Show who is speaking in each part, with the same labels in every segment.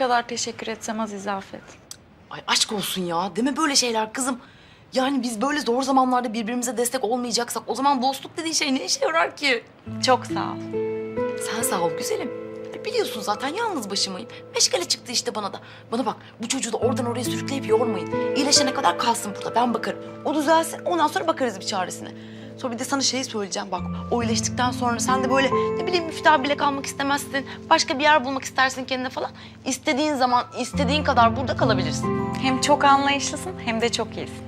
Speaker 1: kadar teşekkür etsem az İzafet.
Speaker 2: Ay aşk olsun ya. Deme böyle şeyler kızım. Yani biz böyle zor zamanlarda birbirimize destek olmayacaksak o zaman dostluk dediğin şey ne işe yarar ki?
Speaker 1: Çok sağ ol.
Speaker 2: Sen sağ ol güzelim. Biliyorsun zaten yalnız başımayım. Meşgale çıktı işte bana da. Bana bak bu çocuğu da oradan oraya sürükleyip yormayın. İyileşene kadar kalsın burada ben bakarım. O düzelsin ondan sonra bakarız bir çaresine. Sonra bir de sana şeyi söyleyeceğim bak. O iyileştikten sonra sen de böyle ne bileyim müftah bile kalmak istemezsin. Başka bir yer bulmak istersin kendine falan. İstediğin zaman istediğin kadar burada kalabilirsin.
Speaker 1: Hem çok anlayışlısın hem de çok iyisin.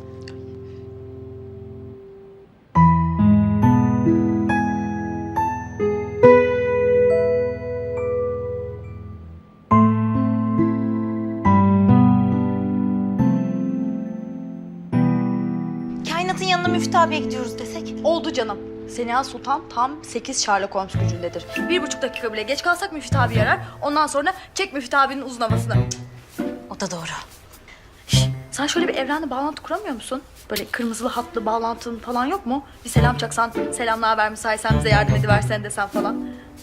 Speaker 3: Kainatın yanına Müftü abiye gidiyoruz desek.
Speaker 4: Oldu canım. Seniha Sultan tam 8 Sherlock Holmes gücündedir. 1,5 dakika bile geç kalsak Müftü abi yarar. Ondan sonra çek Müftü abinin uzun havasını.
Speaker 3: O da doğru.
Speaker 4: Sen şöyle bir evrenle bağlantı kuramıyor musun? Böyle kırmızılı hatlı bağlantın falan yok mu? Bir selam çaksan, selam ne haber müsaitsen bize yardım ediversen desen falan.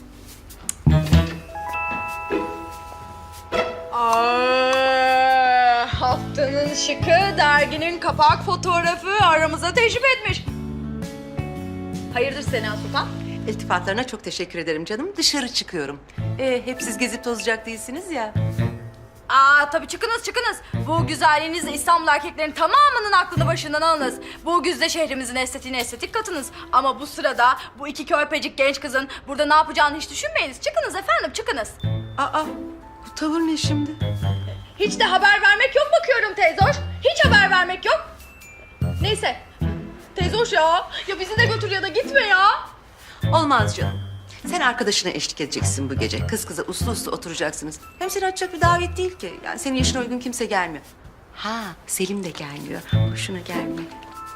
Speaker 4: Haftanın şıkı derginin kapak fotoğrafı aramıza teşrif etmiş. Hayırdır Seniha Sultan?
Speaker 5: İltifatlarına çok teşekkür ederim canım. Dışarı çıkıyorum. Hep siz gezip tozacak değilsiniz ya.
Speaker 4: Tabii çıkınız. Bu güzelliğinizle İstanbul erkeklerinin tamamının aklını başından alınız. Bu güzde şehrimizin estetiğine estetik katınız. Ama bu sırada bu iki körpecik genç kızın burada ne yapacağını hiç düşünmeyiniz. Çıkınız efendim, çıkınız.
Speaker 5: Bu tavır ne şimdi?
Speaker 4: Hiç de haber vermek yok bakıyorum teyzoş. Hiç haber vermek yok. Neyse. Teyzoş ya bizi de götür ya da gitme ya.
Speaker 5: Olmaz canım. Sen arkadaşına eşlik edeceksin bu gece. Kız kıza uslu uslu oturacaksınız. Hem seni açacak bir davet değil ki. Yani senin yaşına uygun kimse gelmiyor. Selim de gelmiyor. Hoşuna gelmiyor.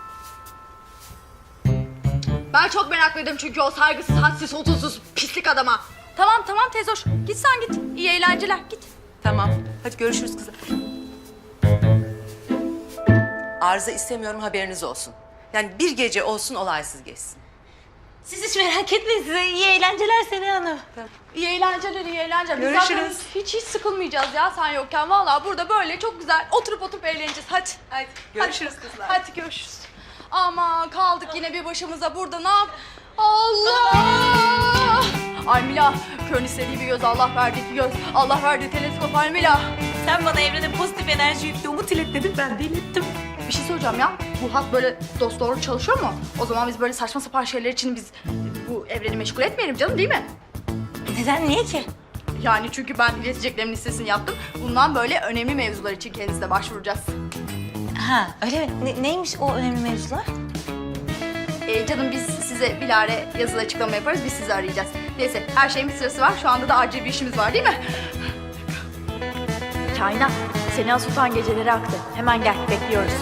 Speaker 4: Ben çok meraklıydım çünkü o saygısız, hadsiz, hudutsuz, pislik adama. Tamam teyzoş. Git sen git. İyi eğlenceler. Git.
Speaker 5: Tamam. Hadi görüşürüz kızım. Arıza istemiyorum haberiniz olsun. Yani bir gece olsun olaysız geçsin.
Speaker 3: Siz hiç merak etmeyin, size iyi eğlenceler Seniha Hanım.
Speaker 4: İyi eğlenceler. Biz
Speaker 5: Görüşürüz.
Speaker 4: zaten hiç sıkılmayacağız ya sen yokken. Vallahi burada böyle çok güzel oturup eğleneceğiz. Hadi.
Speaker 5: Görüşürüz
Speaker 4: Hadi.
Speaker 5: kızlar.
Speaker 4: Hadi görüşürüz. Aman kaldık yine bir başımıza burada ne yap? Allah! Ay Mila, körün istediği bir göz, Allah verdiği bir göz. Allah verdiği teleskop ay Mila.
Speaker 3: Sen bana evrene pozitif enerji yüklü umut ilet dedin, ben de ilettim.
Speaker 4: Bir şey söyleyeceğim ya. Bu hat böyle dosdoğru çalışıyor mu? O zaman biz böyle saçma sapan şeyler için biz bu evreni meşgul etmeyelim canım değil mi?
Speaker 3: Neden, niye ki?
Speaker 4: Yani çünkü ben ileteceklerimin listesini yaptım. Bundan böyle önemli mevzular için kendisine başvuracağız.
Speaker 3: Öyle mi? Neymiş o önemli mevzular?
Speaker 4: Canım biz size bilare yazılı açıklama yaparız. Biz sizi arayacağız. Neyse her şeyin bir sırası var. Şu anda da acil bir işimiz var değil mi? Kainat, Seniha Sultan geceleri aktı. Hemen gel, bekliyoruz.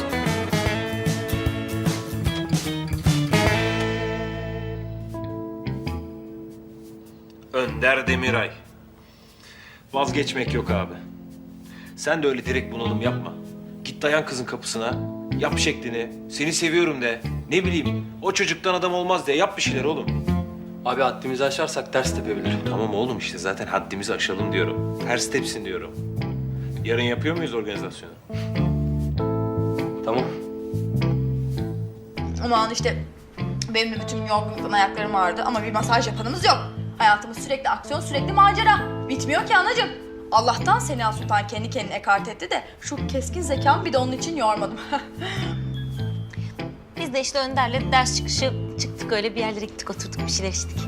Speaker 6: Önder Demiray. Vazgeçmek yok abi. Sen de öyle direkt bunalım yapma. Git dayan kızın kapısına. Yap şeklini. Seni seviyorum de. Ne bileyim o çocuktan adam olmaz de. Yap bir şeyler oğlum.
Speaker 7: Abi haddimizi aşarsak ters tepebilir.
Speaker 6: Tamam oğlum işte zaten haddimizi aşalım diyorum. Ters tepsin diyorum. Yarın yapıyor muyuz organizasyonu?
Speaker 7: Tamam.
Speaker 4: Aman işte benim de bütün yorgunluktan ayaklarım ağrıdı ama bir masaj yapanımız yok. Hayatımız sürekli aksiyon, sürekli macera. Bitmiyor ki anacığım. Allah'tan Seniha Sultan kendi kendine ekart etti de şu keskin zekamı bir de onun için yormadım.
Speaker 3: Biz de işte Önder'le ders çıkışı çıktık, öyle bir yerlere gittik, oturduk, bir şeyler içtik.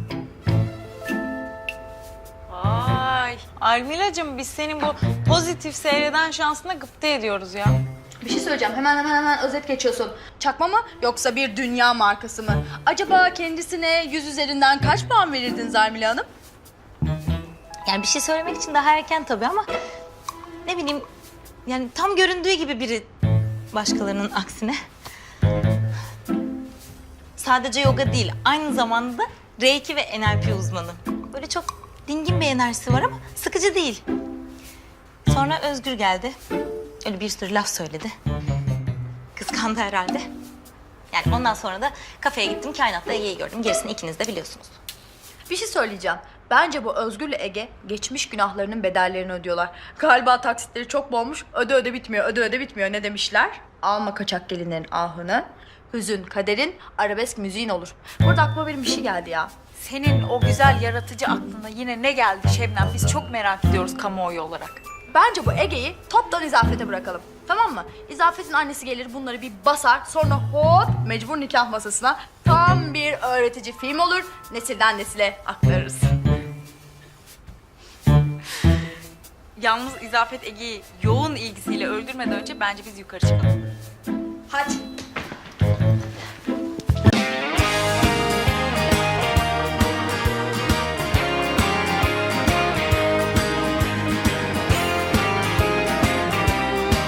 Speaker 1: Vay Almilacığım, biz senin bu pozitif seyreden şansına gıpta ediyoruz ya.
Speaker 4: Bir şey söyleyeceğim. Hemen özet geçiyorsun. Çakma mı yoksa bir dünya markası mı? Acaba kendisine 100 üzerinden kaç puan verirdin Zarmila Hanım?
Speaker 3: Yani bir şey söylemek için daha erken tabii ama ne bileyim, yani tam göründüğü gibi biri başkalarının aksine. Sadece yoga değil, aynı zamanda da Reiki ve NLP uzmanı. Böyle çok dingin bir enerjisi var ama sıkıcı değil. Sonra Özgür geldi. Öyle bir sürü laf söyledi. Kıskandı herhalde. Yani ondan sonra da kafeye gittim, Kainat'la Ege'yi gördüm. Gerisini ikiniz de biliyorsunuz.
Speaker 4: Bir şey söyleyeceğim. Bence bu Özgür'le Ege geçmiş günahlarının bedellerini ödüyorlar. Galiba taksitleri çok bolmuş. Öde öde bitmiyor, öde öde bitmiyor. Ne demişler? Alma kaçak gelinlerin ahını. Hüzün kaderin, arabesk müziğin olur. Burada aklıma benim bir şey geldi ya.
Speaker 1: Senin o güzel yaratıcı aklına yine ne geldi Şebnem? Biz çok merak ediyoruz kamuoyu olarak.
Speaker 4: Bence bu Ege'yi toptan İzafet'e bırakalım. Tamam mı? İzafet'in annesi gelir bunları bir basar. Sonra hop mecbur nikah masasına tam bir öğretici film olur. Nesilden nesile aktarırız.
Speaker 1: Yalnız İzafet Ege'yi yoğun ilgisiyle öldürmeden önce bence biz yukarı çıkalım.
Speaker 4: Hadi.